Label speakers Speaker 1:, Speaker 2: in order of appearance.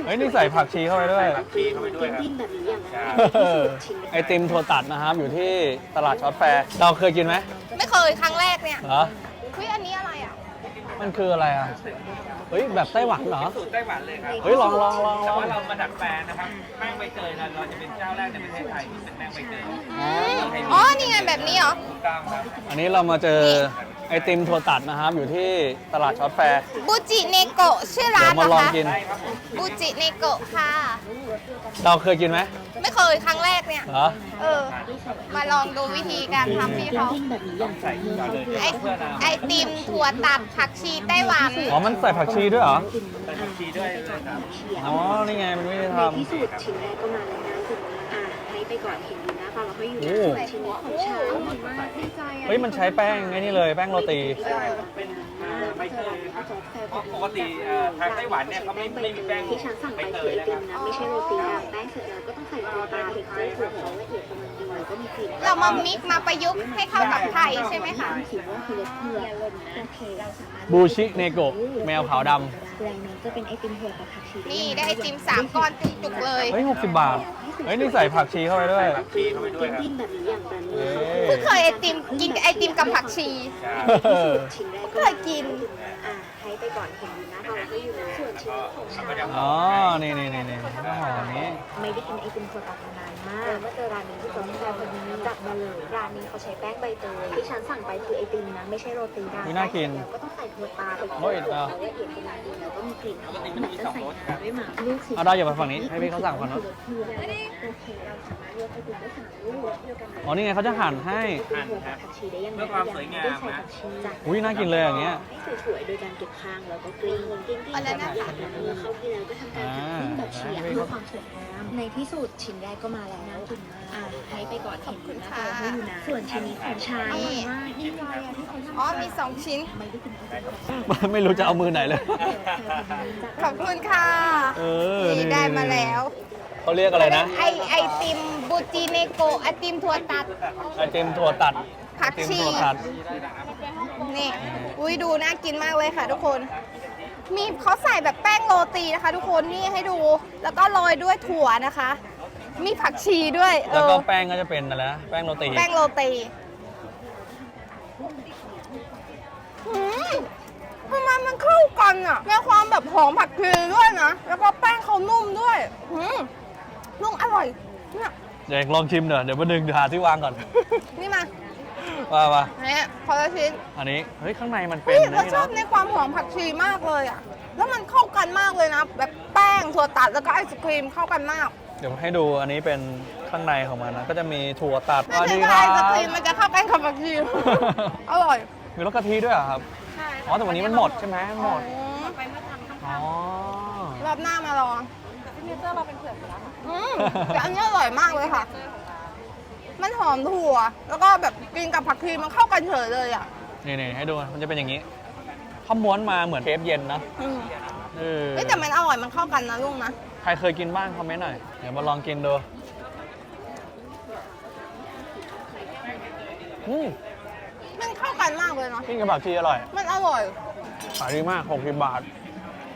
Speaker 1: เฮ้ยนี่ใส่ผักชีเข้าไปด้วย
Speaker 2: ผักชีเข้าไปด้วยครับ
Speaker 3: แบบนี้อย่างนั้น
Speaker 1: ไอติมถั่วตัดนะครับอยู่ที่ตลาดช็อตแฟร์เราเคยกินไหม
Speaker 4: ไม่เคยครั้งแรกเนี่ย
Speaker 1: เหรอ
Speaker 4: เฮ้ยอันนี้อะไรอ่ะ
Speaker 1: มันคืออะไรอ่ะเฮ้ยแบบไต้หวันเหรอ
Speaker 2: สูตรไต้หวันเลยครับ
Speaker 1: เฮ้ยลอง
Speaker 2: แต่ว่าเรามาดัดแปลงนะครับแป้งใบเตยเราจะเป็นเจ้าแรกในประเทศไทยที่เป็นแป้งใบเตย
Speaker 4: อ๋อ นี่ไงแบบนี้เหรอ
Speaker 2: ถูกต้องครับ
Speaker 1: อันนี้เรามาเจอไอติมถั่วตัดนะครับอยู่ที่ตลาดช็อตแฟร์
Speaker 4: บูจิเนโกะชื่อร้าน
Speaker 1: เดี๋ยว
Speaker 4: เหร
Speaker 1: มา
Speaker 4: อ
Speaker 1: ลอง
Speaker 4: คะ
Speaker 1: กิน
Speaker 2: ได้ครับผม
Speaker 4: บูจิเนโกะค่ะ
Speaker 1: เราเคยกินไหม
Speaker 4: ไม่เคยครั้งแรกเนี่ย
Speaker 1: เหรอ
Speaker 4: เออ มาลองดูวิธีการทำพี่เขา
Speaker 3: แบบนี้อย่าง
Speaker 2: ใส่ก่อนเลย
Speaker 4: ไอติมถั่วตัดผักชีไต้หวัน
Speaker 1: อ๋อมันใส่ผักชีด้วยเหรอ
Speaker 2: ใส่ผักชีด้วยเลยครับ
Speaker 1: อ๋อนี่ไงมันไม่ได้ท
Speaker 3: ที่สุดชิ้นแรกก็มาแล้วนะถึงให้ไปก่อนเห็นอยู่นะฟังเราให้อยู่
Speaker 1: โอ้
Speaker 3: นะชิ้นนี้ของฉัน
Speaker 1: ำเฮ้ยมันใช้แป้งไอ้นี่เลยแป้งโรตี
Speaker 2: เป็นใบเตยครับเพราะปกติทางไต้หวันเนี่ยเขาไม่มีแป้ง
Speaker 3: ที่ฉันสั่ง
Speaker 2: ใบ
Speaker 3: ไป
Speaker 2: เต
Speaker 3: คือย ไอ
Speaker 2: นะ
Speaker 3: ติ
Speaker 2: ค
Speaker 3: ม
Speaker 2: รับ
Speaker 3: นะไม่ใช่โรตีนะแป้งเสร็จแล้วก็ต้องใส่ตัวปลาเห็ดไส้ถั่วเขาละเอียดกำลังดีแล้วก็มีกลิ่น
Speaker 4: เรามามิกซ์มาประยุกต์ให้เข้ากับไทยใช่ไหมคะ
Speaker 3: คิดว่าคือเพื่อโอเคเราสามารถ
Speaker 1: บูชิเนโกะแมวขาวด
Speaker 3: แรงนี้จะเป็นไอติมถั่วกับผักชี
Speaker 4: นี่ได้ไอติม3 ก้อนจุกๆเลย
Speaker 1: ำเฮ้ย60 บาท เฮ้ยนี่ใส่ผักชีเข้าไปด้วย
Speaker 2: ใส่ผักชีเข้าไปด้วยครับ
Speaker 3: ดิ้นแบบนี้อย่างแบบนี้
Speaker 4: เพิ่งเคยไอติมกินไอติมกับผักชี
Speaker 3: ชิ้นแรก
Speaker 4: เคยกิน
Speaker 3: ให้ไปก่อนเห็นอยู่นะฟังเราให้อยู่นะส่วนชิ้นของฉัน
Speaker 1: อ๋อ นี่ได้ห่อแบบนี้
Speaker 3: ไม่ได้กินไอติมถั่วตัดมานานมากเมื่อเจอร้านนี้ที่เขาแซ่บพอดีจัดมาเลยร้านนี้เขาใช้แป้งใบเตยที่ฉันสั่งไปคือไอติมนะไม่ใช่โรตีนะ
Speaker 1: อุ๊ยน่ากิน
Speaker 3: แล้วก็ต้องใส่ถั่วปลาไป
Speaker 1: โอ้ย
Speaker 3: ถั่วละเอียดกำลังดีแล้วก็มีกลิ่นหอมแบบจะใส่น้ำด้วยหมากลูกสี
Speaker 1: เอาได้อย่าไปฝั่งนี้ ให้พี่เขาสั่งก่อนเนอะ
Speaker 3: โอเคเราสามารถเลือกไอติมได้3ลูกเดียวกัน
Speaker 1: อ๋อ นี่ไงเขาจะหั่นให้
Speaker 2: หั่นครับ
Speaker 3: ผักชีได้ยังไง
Speaker 2: เพื่อความสวยงาม
Speaker 3: ได้ใส่
Speaker 2: นะ
Speaker 3: ผักชีจัด
Speaker 1: อุ๊ยน่ากินเลยอย่างเงี้ย
Speaker 3: ให้สวยๆโดยการเก็บข้างแล้วก็กลิ้งๆ
Speaker 4: อันนั้นนะคะ
Speaker 3: เมื่อเข้าที่แล้วก็ทำการหั่นครึ่งแบบเฉียงเพื่อความสวยงามในที่สุดชิ้นแรกก็มาแล้วน่ากินมากให้ไปก่อนเห็นอยู่นะเราให้อยู่นะส่วนชิ้นนี้ของชาย
Speaker 4: นี่
Speaker 3: ว่านี่ใจอะที่เขาทำ
Speaker 4: อ๋อ มี 2 ชิ้น
Speaker 3: ไม่ได้กินไอติม
Speaker 1: ไม่รู้จะเอามือไหนเลย
Speaker 4: ขอบคุณค่ะ
Speaker 1: เออ
Speaker 4: นี่ได้มาแล้ว
Speaker 1: เขาเรียกอะไรนะ
Speaker 4: ไอติมบูจิเนโกะไอติมถั่วตัด
Speaker 1: ไอติมถั่วตัด
Speaker 4: ผัก
Speaker 1: ไอติม
Speaker 4: ชี
Speaker 1: ถั่วตัด
Speaker 4: นี่ อุ้ยดูน่ากินมากเลยค่ะทุกคน มีเขาใส่แบบแป้งโรตีนะคะ ทุกคนนี่ให้ดู แล้วก็โรยด้วยถั่วนะคะ มีผักชีด้วย
Speaker 1: แล้วก็แป้งก็จะเป็นอะไรนะ แป้งโรตี
Speaker 4: แป้งโรตีทำไมมันเข้ากันอ่ะมีความแบบหอมผักชีด้วยนะ แล้วก็แป้งเขานุ่มด้วยนุ่มอร่อยเนี่ย
Speaker 1: เดี๋ยวลองชิมเดี๋ยวมาดึงหาที่วางก่อน
Speaker 4: นี่มา
Speaker 1: ว่า
Speaker 4: เนี่ยพอละชิ้น
Speaker 1: อันนี้ เฮ้ย ข้างในมันเป็
Speaker 4: เฮ้
Speaker 1: น
Speaker 4: ย
Speaker 1: นะ
Speaker 4: เรา
Speaker 1: นี่
Speaker 4: ชอบ
Speaker 1: เนาะ
Speaker 4: ในความหอมผักชีมากเลยอ่ะ แล้วมันเข้ากันมากเลยนะ แบบแป้งถั่วตัดแล้วก็ไอศครีมเข้ากันมาก
Speaker 1: เดี๋ยวให้ดูอันนี้เป็นข้างในของมันนะ ก็จะมีถั่วตัด
Speaker 4: ไม่ใช่ว่าไอศครีมมันจะเข้ากันกับผักชี อร่อย
Speaker 1: มีรสกะทิด้วยเหรอครับ
Speaker 4: ใช่
Speaker 1: อ๋อ แต่วันนี้มันหมดใช่ไหมมันหมด
Speaker 4: ไปเมื่อทำ
Speaker 1: อ๋อ
Speaker 4: รอบหน้ามาลองซิกเนเจอร์เราเป็นเผือกแล้วแต่อันนี้อร่อยมากเลยค่ะ มันหอมถั่ว แล้วก็แบบกินกับผักชีมันเข้ากันเฉยเลยอ่ะ
Speaker 1: นี่ให้ดู มันจะเป็นอย่างนี้ข้าวม้วนมาเหมือนเคฟเย็นนะ
Speaker 4: อืม
Speaker 1: เออ
Speaker 4: เฮ้ยแต่มันอร่อยมันเข้ากันนะลุงนะ
Speaker 1: ใครเคยกินบ้างคอมเมนต์หน่อย เดี๋ยวมาลองกินดูอืม
Speaker 4: มันเข้ากันมากเลยเนาะ
Speaker 1: กินกับผักชีอร่อย
Speaker 4: มันอร่อย
Speaker 1: ขายดีมาก60 บาท